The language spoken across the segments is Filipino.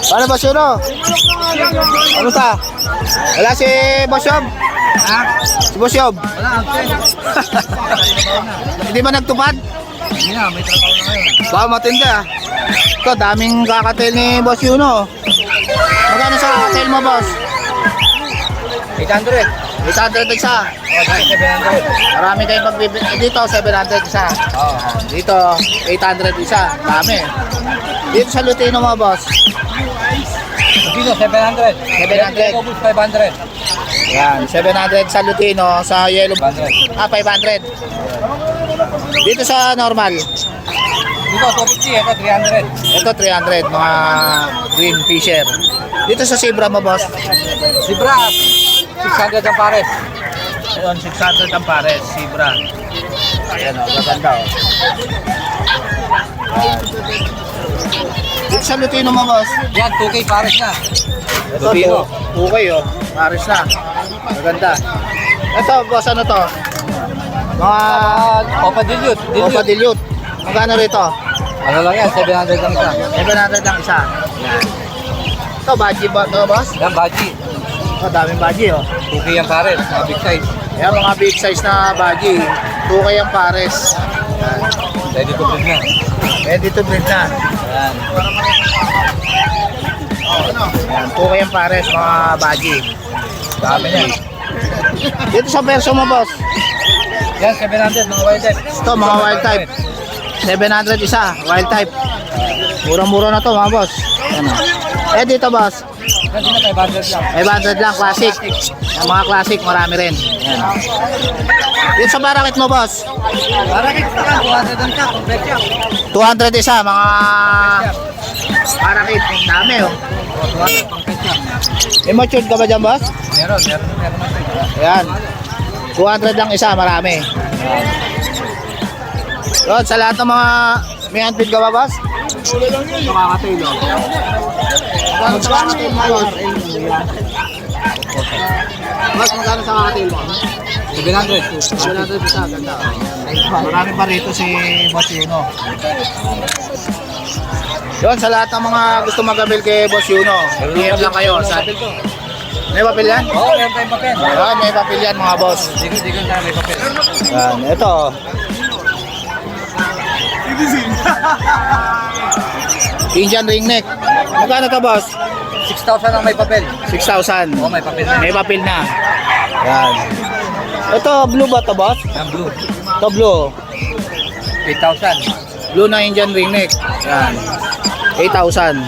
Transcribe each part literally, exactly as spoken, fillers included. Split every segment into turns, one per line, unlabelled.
Paano Boss Yuno? Ano ta? Wala si Boss Yob?
Ha?
Si Boss Yob?
Wala, absent.
Hindi ba nagtupad?
Hindi na, may trabaho na ngayon.
Baka matindi ah. Ito, daming kakatel ni Boss Yuno. Magkano sa kakatel mo, Boss?
eight hundred.
eight hundred isa.
Oh, dahil seven hundred.
Marami kayong pagbibili. Eh, dito, seven hundred isa.
Oo.
Dito, eight hundred isa. Dami. Dito sa Lutino mo, Boss.
Dito, seven hundred.
seven hundred.
Dito, five hundred.
Yan, seven hundred sa Lutino, sa Yellow.
five hundred.
Ah, five hundred. Dito sa normal.
Dito, two fifty. Ito, three hundred.
Ito, three hundred, mga green fisher. Dito sa Zebra mo, Boss.
Zebra, six hundred ang pares.
Ayun, six hundred ang pares, Zebra. Ayan o, maganda o. Dito sa Lutino mo, Boss.
Yan, two K pares na.
Ito,
Lutino.
okay o. Pares na. Maganda. Ito, Boss, ano to? Mga
Uh, Opa dilute.
Opa
Dilute.
dilute. Magkano rito?
Ano lang yan, seven hundred lang isa.
seven hundred lang isa. Ito, baji ba ito, Boss?
Yan, baji.
Ito, daming baji o.
two K ang pares, mga big size.
Ayan, mga big size na baji. two K ang pares. Ayan.
Ready to breed na.
Ready to breed na.
Yan.
Ayan, two K ang pares, mga baji. Dami niya. Dito sa perso mo, Boss.
Yan, seven hundred, mga wild type.
Ito, mga wild type. seven hundred isa, wild type. Mura-mura na to, mga boss. Ayan, oh. Eh, dito, boss.
Yan, dito, five hundred lang.
five hundred lang, classic. Ang mga classic, marami rin. Ayan. Dito sa barakit mo, boss.
Para kita ka, two hundred lang ka, complete yan.
two hundred isa, mga barakit. Dami, oh.
Oh, two hundred, complete yan.
Immature ka ba dyan, boss?
Meron, meron, meron natin.
Ayan. two hundred lang isa, marami. Yun, sa lahat ng mga may handpid ka ba, boss? Makakatail, oh. Magkano sa kakatail mo, boss? Boss, magkano sa kakatail mo?
seven hundred.
seven hundred isa, ganda. Marami pa rito si Boss Yuno. Yun, sa lahat ng mga gusto mag-avail kay Boss Yuno, P M lang kayo. Sa... May papel yan?
Oo, meron tayong papel.
Yan, may papel yan, mga boss.
Digon-digon tayo, may papel.
Yan, ito. Indian ring neck. Magkano to, boss?
six thousand ang may papel.
six thousand.
Oo, may papel na.
May papel na. Yan. Ito, blue ba to, boss?
Ang blue,
Ito, blue.
eight thousand.
Blue na Indian ring neck. Yan. eight thousand.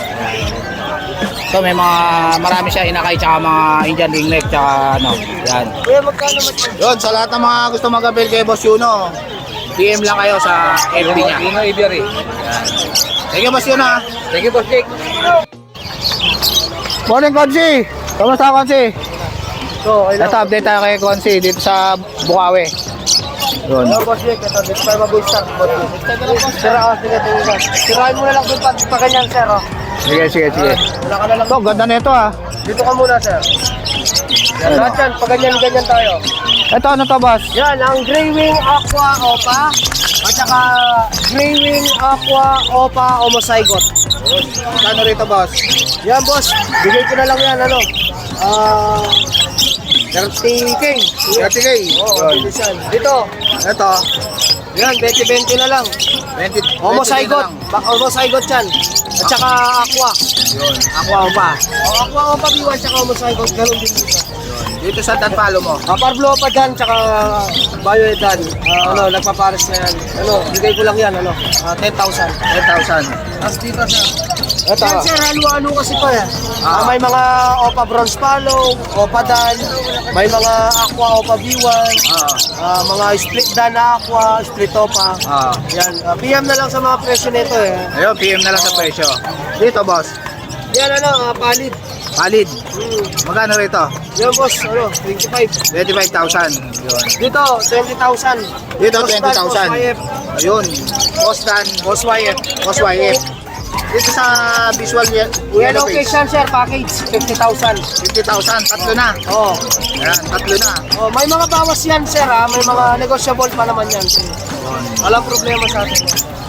So may mga marami siya inakay tsaka mga Indian ring neck tsaka ano. Yan. Yun, sa lahat ng mga gusto mag-avail kay Boss Yuno, P M lang kayo sa F B niya.
Dino Aviary.
Thank you, Boss Yuno. ha.
Thank you, Boss Jake.
Morning, Konsi. Kamusta, Konsi? So, ito update tayo kay Konsi dito sa Bukawi. Yun.
Hello, Boss Jake. Ito, dito tayo mabuhay start. Sira ka, sige, tingin. Sirahin mo na lang doon pa, pa ganyan, sir. Oh.
Sige, sige, sige.
Wala ka na lang.
Ito, ganda nito ah.
Dito ka muna, sir. Yan,
Ano?
lahat yan, pa ganyan-ganyan tayo.
Ito, ano to, boss?
Yan, ang Grey Wing Aqua Opa at saka Grey Wing Aqua Opa Homozygote.
Kano rito, boss?
Yan, boss. Bigay ko na lang yan, ano. Ah, thirty K.
thirty K.
Oo,
Yun.
yan. Dito.
Ito,
Yan, twenty twenty na lang.
twenty,
Homozygote. Bak Homozygote yan. At saka Aqua.
Yun, aqua pa.
O, Aqua Opa B one tsaka Homozygote. Ganun din dito.
Dito sa Tanpalo mo.
Ah, Parblo pa dyan, tsaka Bioedan. Ah, ano, nagpapares na yan. Ano, bigay ko lang yan, ano, ah, ten thousand.
ten thousand.
Tapos dito, sir.
Ito.
Yan, sir, halo-halo kasi pa yan.
Ah.
Ah, may mga Opa Bronze Palo, Opa Dan, may mga Aqua Opa B one,
Ah,
ah, mga split Dan na Aqua, split Opa.
ah.
Yan, ah, P M na lang sa mga presyo nito eh.
Ayun, P M na lang sa presyo. Dito, boss.
Yan, ano, ah, palid.
Valid.
Hmm.
Magkano rito?
Yan, boss, ano, twenty-five.
twenty-five thousand. Yun.
Dito, twenty thousand.
Dito, twenty thousand. Ayun. Boss Dan.
Boss Y F.
Boss Y F. Dito sa visual ye-
Yellow
yellow
case
face.
yan, sir, package, fifty thousand.
fifty thousand. Tatlo na.
Oh.
Ayan, tatlo na.
Oh, may mga bawas yan, sir, ha? May mga negotiable pa naman yan, sir. Walang problema sa atin.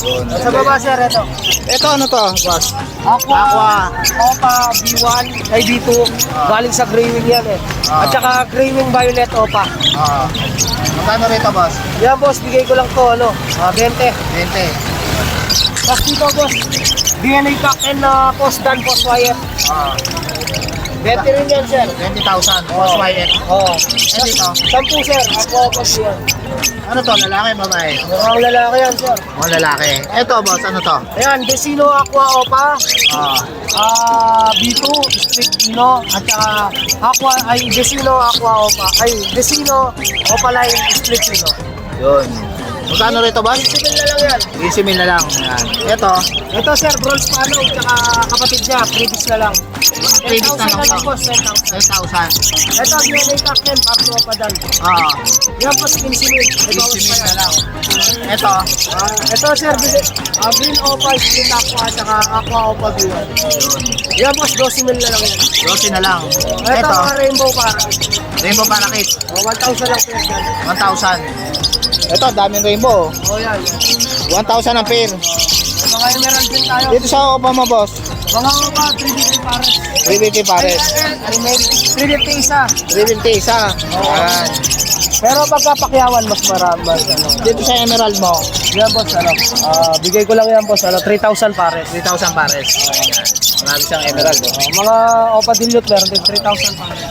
Yun.
Sa baba sir, ito.
Ito ano to, boss?
Aqua,
Aqua.
Opa B one, ay B two. Galing sa Greywing yan eh.
Ah.
At saka Greywing Violet Opa.
Ah. Magkano rito, boss?
Yan boss, bigay ko lang to, ano, ah, twenty.
twenty.
Tapos dito boss, D N A pack and na post dan, post wire.
Ah.
twenty rin yan sir.
twenty thousand. Boss Wyatt.
Oo.
Eh dito.
Sampu sir, Aqua Opa B one.
Ano to, lalaki, babae?
Mukhang lalaki yan sir.
Mga lalaki. Ito, boss, ano to?
Ayan, Desino Aqua Opa.
Ah.
Ah, B two, Street Ino, at saka Aqua, ay Desino Aqua Opa, ay Desino Opaline Street Ino.
Yun. Magkano rito, boss?
Civil na lang yan.
twenty mil na lang. Yan. Ito,
Ito sir, bronze pano, tsaka kapatid niya, previous na lang.
Previous na lang
ten thousand na lang
to.
boss, ten thousand.
ten thousand.
Ito, D N A pack yan, parto pa dan.
Ah.
Yan po, fifteen mil. Ito,
fifty mil na lang. Ito,
Ah, ito sir, bili- ah, Green Opa, Street Aqua, at saka Aqua Opa B one. Yan boss, twenty mil na lang yan.
twenty na lang.
Ito,
Ito,
mga rainbow pa.
rainbow parakit.
Oh, one thousand lang po yan.
one thousand. Ito, daming rainbow.
Oh, yan.
one thousand ang pair.
May mga emerald din tayo.
Dito sa Opa mo, boss.
Mga Opa, three fifty pares.
three fifty pares.
Ay, may three fifty isa.
three fifty isa. Yan.
Pero pagkapakyawan, mas marami. Mas, ano.
Dito sa emerald mo,
Yan boss, ano. Ah, bigay ko lang yan boss, ano, three thousand pares.
three thousand pares. Yan. Marami siyang emerald. Oh.
Ah, mga Opa dilute, meron din three thousand pares.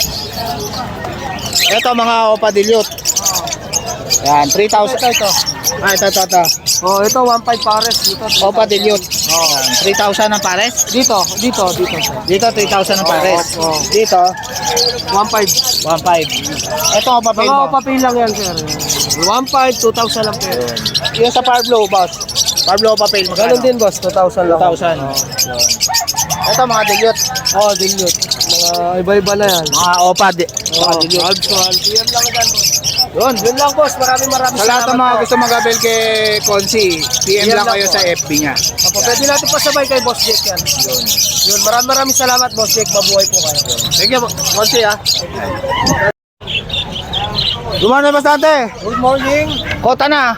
Ito, mga Opa dilute. Yan, three thousand.
Ito, ito.
Ah, ito, ito, ito.
Oh, ito, one five pares. Dito,
Opa dilute. Yan, three thousand ang pares.
Dito, dito, dito. sir.
Dito, three thousand ang pares.
Oo, oo.
Dito,
one five.
one five. Ito, Opa pail
Mga
mo.
Opa pay lang yan, sir. one five, two thousand lang pero.
Yung sa Power Blue, boss. Power Blue Opa pail, magkano?
Ganun din boss, two thousand lang.
two thousand. Ito, mga dilute.
Oh, dilute. Mga iba-iba na yan.
Mga Opa, di, mga
Oh,
dilute.
Alps one. P M lang yan, boss.
Yun.
Yun lang, boss. Maraming maraming
Sa lahat ng mga
po.
gusto mag-abel kay Consi, P M
Yan
lang
lang
kayo
po.
sa F B niya.
Opo, pwede natin pasabay kay Boss Jake yan.
Yun.
Yun, maraming maraming salamat, Boss Jake. Mabuhay po kayo.
Thank you, Consi ah. Gumana bastante.
Good morning.
Kota na.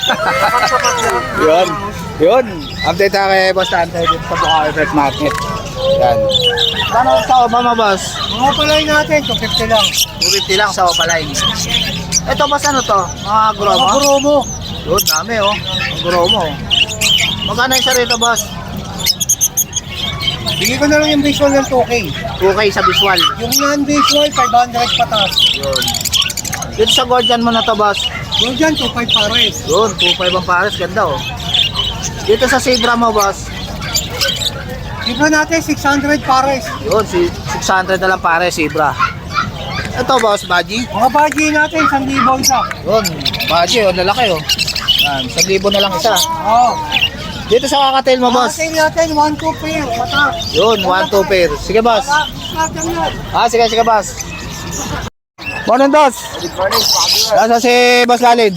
Yun. Yun. Update tayo kay Boss Tante dito sa Bukawi Fresh Market. Yan. Kano sa Obama, boss?
Mga palay natin, two fifty lang.
two fifty lang sa Opaline. Ito, boss, ano to? Mga gromo?
Mga promo.
Yun, dami oh. Ang gromo. Magkano yung siya rito, boss?
Bigay ko na lang yung visual ng two K.
two K sa visual.
Yung non-visual, five hundred patas.
Yun. Dito sa Guardian mo na to, boss.
Yung dyan, two five pares.
Yun, two five ang pares. Ganda oh. Dito sa Sidra mo, boss.
Dito natin, six hundred pares.
Yun, si six hundred na lang pares, Sidra. Ito, boss, Baji.
Mga budget natin, one thousand isa.
Yun, Baji, oh, lalaki oh. Yan, one thousand na lang isa.
Oo.
Dito sa Kakatel mo, boss.
Natin natin, one two pair. Patas.
Yun, one two pair. Sige, boss.
Natin yan.
Ah, sige, sige, boss. Morning, boss.
Good morning,
Nasa si Boss Lalid.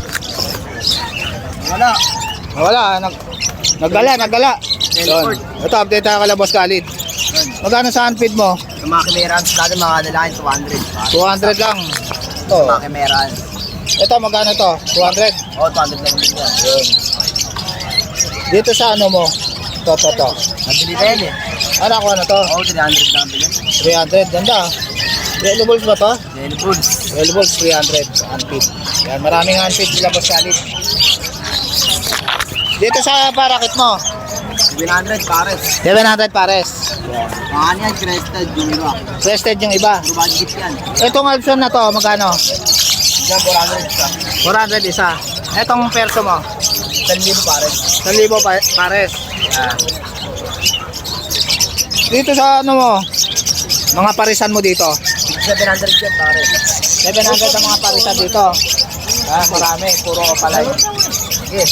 Wala.
Wala, nag naggala, naggala. Yun. Ito, update tayo kala Boss Khalid. Magkano sa handfeed mo?
Yung mga kimerans natin, mga lalaki, two hundred.
two hundred lang. Ito.
Mga kimerans.
Ito, magkano to? two hundred.
Oo, two hundred lang din yan.
Yun. Dito sa ano mo? To, to, to.
Nabili ka yan eh.
Ano ako na to?
Oo, three hundred lang bilhin.
three hundred. Ganda. Yellow balls ba to?
Daily foods.
Yellow balls, three hundred. Handfeed. Yan, maraming handfeed sila Boss Khalid. Dito sa parakit mo?
seven hundred pares.
seven hundred pares.
Mga ano yan, crested, yung iba.
Crested yung iba.
Puro budget yan.
Itong Alpson na to, magkano?
Diyan, four hundred isa.
four hundred isa. Itong perso mo?
ten libo pares.
one thousand pa- pares. Yan. Dito sa ano mo? Mga parisan mo dito?
seven hundred yan pares.
seven hundred ang mga parisan dito. Ah, marami. Puro opalay. Yes.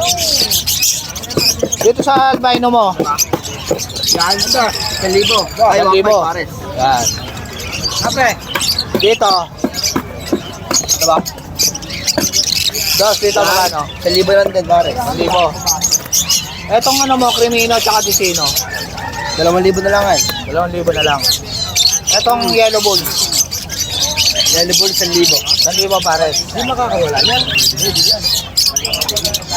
Dito sa albino mo?
Yan ito, ten libo. Ay,
one
one
libo.
five pares.
Yan.
Kape.
Dito. Diba? Dos, dito magkano?
ten libo lang din pares.
one libo. Etong ano mo, Crimino tsaka Ticino.
Dalawang libo na lang yan.
Dalawang libo na lang. Etong Yellow Bull.
Daily foods, ten libo.
one libo pares.
Hindi makakawala yan. Hindi yan.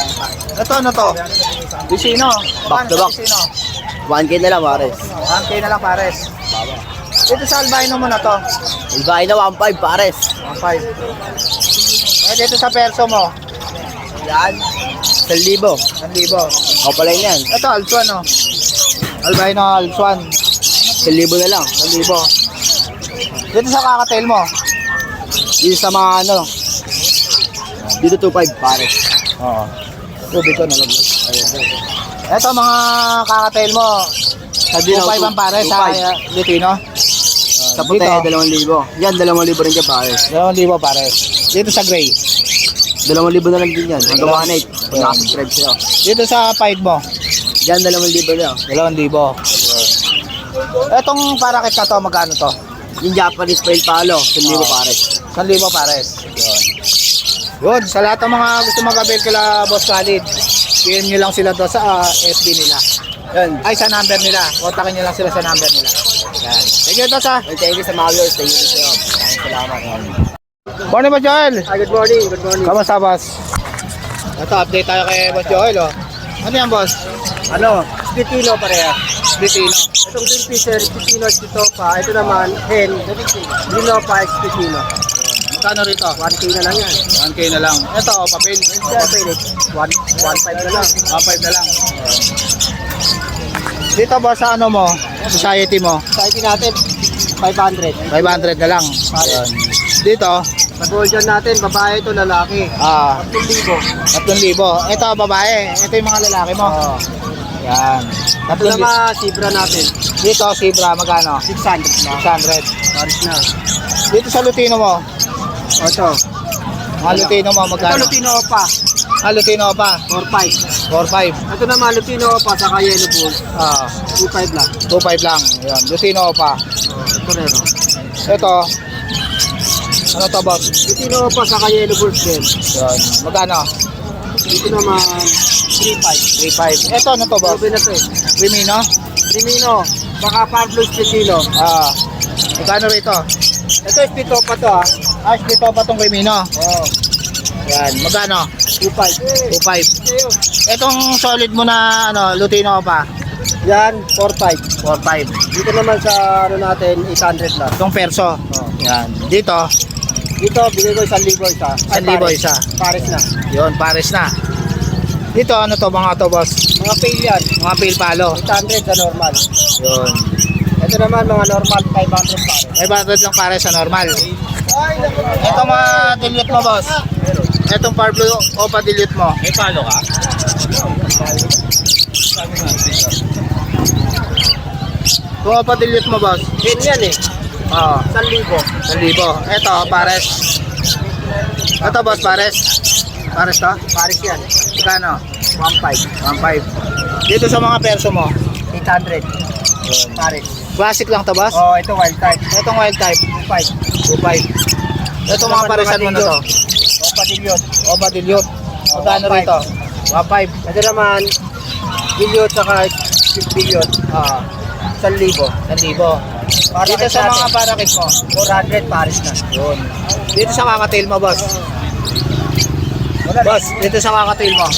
Ito ano to? Vicino.
Back to back.
Vicino.
one K na lang, pares.
one K na lang pares. Dito sa albino mo na to.
Ibay na one five, pares.
one five. Eh, dito sa perso mo.
Yan. one libo.
one libo.
Opaline yan.
Ito, Alswan, no? Albino Alswan.
one libo na lang.
one libo. Dito sa kakatail mo.
Dito sa mga ano. Dito two five, pares.
Oo. Tubig ko, nalaglag. Ayun. Ito, mga kakatail mo. two five ang pare sa uh, Lutino.
Sa puti, dalawang libo. Yan, dalawang libo rin dyan, pares.
two libo pare. Dito sa gray.
Dalawang libo na lang din yan. Hanggang one eight. Kung nakasubscribe sa'yo.
Dito sa pied mo.
Yan, dalawang libo lang.
two libo. Etong parakit na to, magkano to?
Yung Japanese Pale Palo, one libo, pares.
one libo pares. Yun. Yun, sa lahat ng mga gusto mag-avail kila Boss Khalid, P M nyo lang sila to sa uh, F B nila.
Yan.
Ay, sa number nila. Kontakin nyo lang sila sa number nila. Yan. Thank you, Dos, ha.
Well, thank you sa mga viewers. Thank you sa'yo. Maraming salamat.
Morning, Boss Joel.
Hi, good morning, good morning.
Kamusta, Boss? Ito, update tayo kay Boss Joel, oh. Ano yan, Boss?
Ano, Spitino pareha.
Bitino.
Itong green fisher, Spitino, Spitopa. Ito naman, hen, Linopa, Spitino.
Magkano rito?
one K na lang yan.
one K na lang. Ito, oh, papel.
Yan, pwede. one five na lang.
one five na lang. Dito, Boss, sa ano mo? Society mo?
Society natin, five hundred.
five hundred na lang. Ayun. Dito,
Sa Golden natin, babae ito, lalaki.
ah,
two libo.
tatlong libo. Ito, babae. Ito yung mga lalaki mo.
Oo.
Yan.
Ito
Tatlong libo.
naman, Sibra natin,
Dito, Sibra, magkano?
six hundred na.
six hundred.
Paris na.
Dito sa Lutino mo,
Ito.
mga Lutino mo,
Ito,
magkano?
Lutino pa,
Ah, Lutino pa,
four five.
four five.
Ito naman, Lutino pa, saka Yellow Bull,
Ah,
two five lang.
two five lang. Yan, Lutino pa.
Oh, ito rin, oh.
Ito, ano to, Boss?
Lutino pa, saka Yellow Bulls din.
Yan, magkano?
Dito naman, three five.
three five. Ito, ano to, Boss?
Sabi na to eh.
Crimino?
Rimino, baka Pablo Spitino.
Ah, magkano rito?
Ito, Spito pa to ah.
Ah, dito pa tong Crimino.
Oh,
Yan, magkano?
two five.
two five. Etong solid mo na ano, Lutino pa,
Yan, four five.
four five.
Dito naman sa ano natin, eight hundred lang.
Itong perso.
Oh.
Yan. Dito,
Dito, bigay ko isang libo isa. Ay,
one libo
pares.
isa.
Pares na.
Yun, pares na. Dito, ano to mga to, Boss?
Mga fail yan,
Mga pale palo.
eight hundred sa normal.
Yun.
Ito naman, mga normal, five hundred pares.
five hundred lang pares sa normal. Ito mga dilute mo, Boss. Itong Pablo Opa dilute mo. May palo ka? Kung Opa dilute mo, Boss.
Hen yan eh,
Oo.
isang libo.
one libo. Ito, pares. Ito, Boss, pares. Pares to?
Pares yan,
Magkano?
one five.
one five. Dito sa mga perso mo.
eight hundred. Pares.
Classic lang to, Boss?
Oh, ito wild type.
Itong wild type.
two five.
two five. Ito mga paresan mo na to.
O, patilyon.
Opa dilute. Magkano
one five.
rito? one five.
Ito naman, billion saka billion.
Ah,
Isang libo.
one libo. Dito sa mga parakit mo.
four hundred pares na.
Yun. Dito sa kakatail mo, Boss. Boss, dito sa kakatail mo.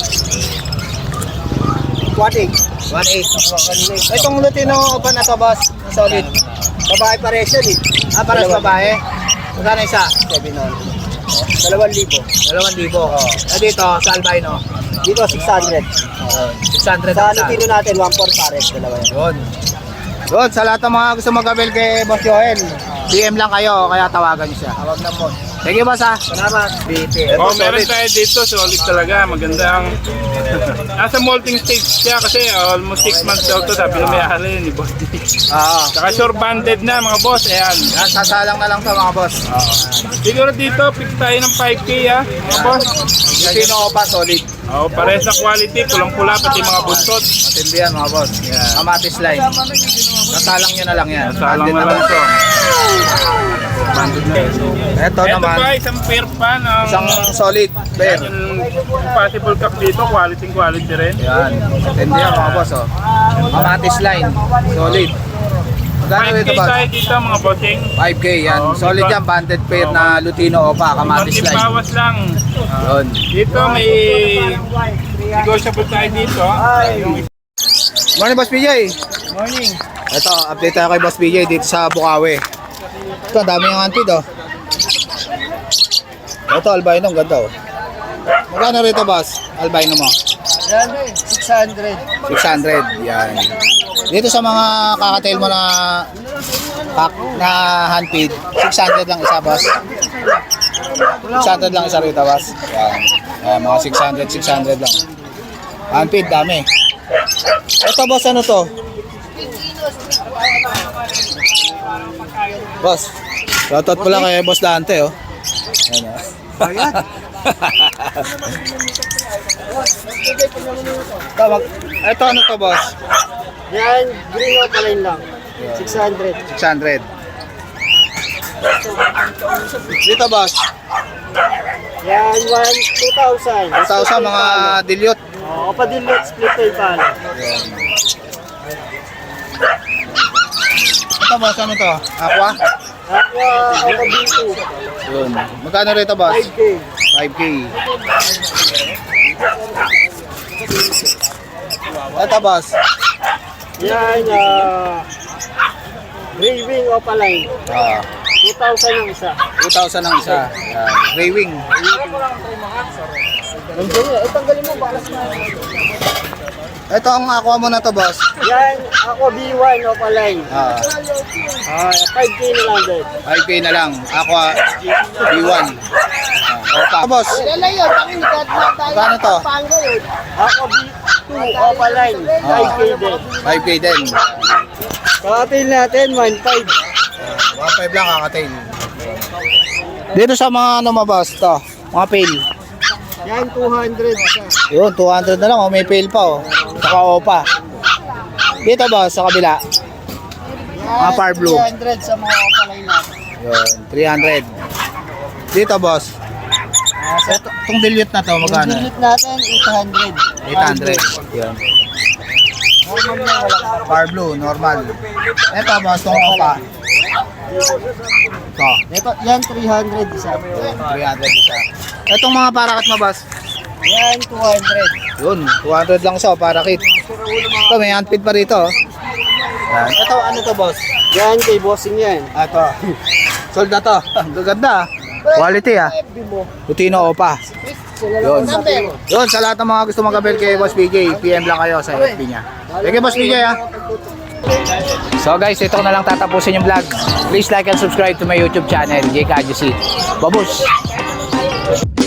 one eight.
one eight.
Kanina eh.
Itong Lutino Opa na to, Boss. Solid.
Babae pares yan eh.
Ah, para sa babae. Magkano isa?
seven hundred. Dalawang libo.
Dalawang libo. Ah, dito, sa albino.
Dito six hundred.
six hundred
Sa
ang isa.
Lutino natin, one four pares. Dalawa yan.
Yun. Yun, sa lahat ng mga gusto mag-avail kay Boss Joel, P M lang kayo, kaya tawagan niyo siya.
Tawag na mo.
Thank you, Boss, ha.
Salamat.
B P.
Oh, meron tayo dito, solid talaga, maganda ang nasa molting stage siya kasi almost six months daw to, sabi na may ahali ni boss.
Oo.
Saka sure banded na mga boss, ayan.
Yan, sasalang na lang to, mga boss.
Siguro dito, pick tayo ng five K ha, mga boss.
Lutino Opa, solid.
Oh, pares na quality, pulang-pula pati mga buntot.
Matindi yan, mga boss.
Yan.
Kamatis line. Nasalang nyo na lang yan.
Salang
Banded
na lang to.
Banded na. Ito
Ito
naman,
pa, isang pair pa ng
isang solid bear.
yung possible cup dito, quality quality rin.
Yan. Matindi yan, mga boss, oh. Kamatis line. Solid. Magkano
five K
rito, boss?
tayo dito mga bossing.
five K yan.
Oo,
Solid
may
yan. Banded pair na Lutino Opa. Kamatis
Konting
line.
bawas lang.
Yun.
Dito may negotiable tayo dito.
Morning, Boss P J.
Morning.
Ito, update tayo kay Boss P J dito sa Bukawi. Ito, ang dami yung antid, oh. Ito, albino, ang ganda, oh. Magkano rito, boss? Albino mo?
Yan, six hundred.
six hundred, yan. Dito sa mga kakatail mo na pack na handfeed, six hundred lang isa, boss. six hundred lang isa rito, boss. Yan. Yan, mga six hundred, six hundred lang. Handfeed, dami. Ito, boss, ano to? Boss, shoutout po lang kay Boss Dante, oh. Ayan, oh.
Ayan.
Ito, mag- ito, ano to, boss?
Yan, green opaline lang. six hundred.
six hundred. Dito, boss.
Yan, one, two thousand.
two thousand, mga dilute.
Oo, kapadilot, split tail pala.
Ito, boss, ano to? Aqua?
Aqua, Aqua B two.
Yun. Magkano rito, boss?
five K.
five K. Ito, boss.
Yan, ah... gray wing opaline.
Ah,
two thousand ang isa.
two thousand ang isa. Yan. Gray wing.
Nandiyan yun. Eh, tanggalin mo, balas na.
Ito ang aqua mo na to, boss.
Yan, Aqua B one opaline.
Ah,
Ah, five K na lang din.
five K na lang. Aqua B one. Ah, opa. Boss,
Lalayo, pakinikad na tayo.
magkano to?
Aqua B two opaline. five K din.
five K din.
Kakatil natin, one five.
one five lang kakatail. Dito sa mga ano mo, boss, to. Mga pail.
Yan, two hundred isa.
Yun, two hundred na lang. Oh, may pail pa, oh. Saka opa. Dito, boss, sa kabila. Mga far blue.
three hundred sa mga opaline natin.
Yun, three hundred. Dito, boss. Ito, itong dilute na to, magkano?
Yung unit natin, eight hundred.
eight hundred. Yun.
Normal na, walang
Far blue, normal. Ito, boss, itong opa. Ito,
Ito, yan, three hundred isa.
yun, three hundred isa. Itong mga parakat mo, boss.
Yan, two hundred.
Yun, two hundred lang siya, parakit. Ito, may handfeed pa rito, oh. Yan. Ito, ano to, boss?
Yan, kay bossing yan.
Ah, ito. Sold na to. Ang gaganda, ah. Quality, ah. Putino opa. Yun. Yun, sa lahat ng mga gusto mag-abel kay Boss P J, P M lang kayo sa F B niya. Thank you, Boss P J, ah. So guys, ito na lang tatapusin yung vlog. Please like and subscribe to my YouTube channel, J K A J C. Babush!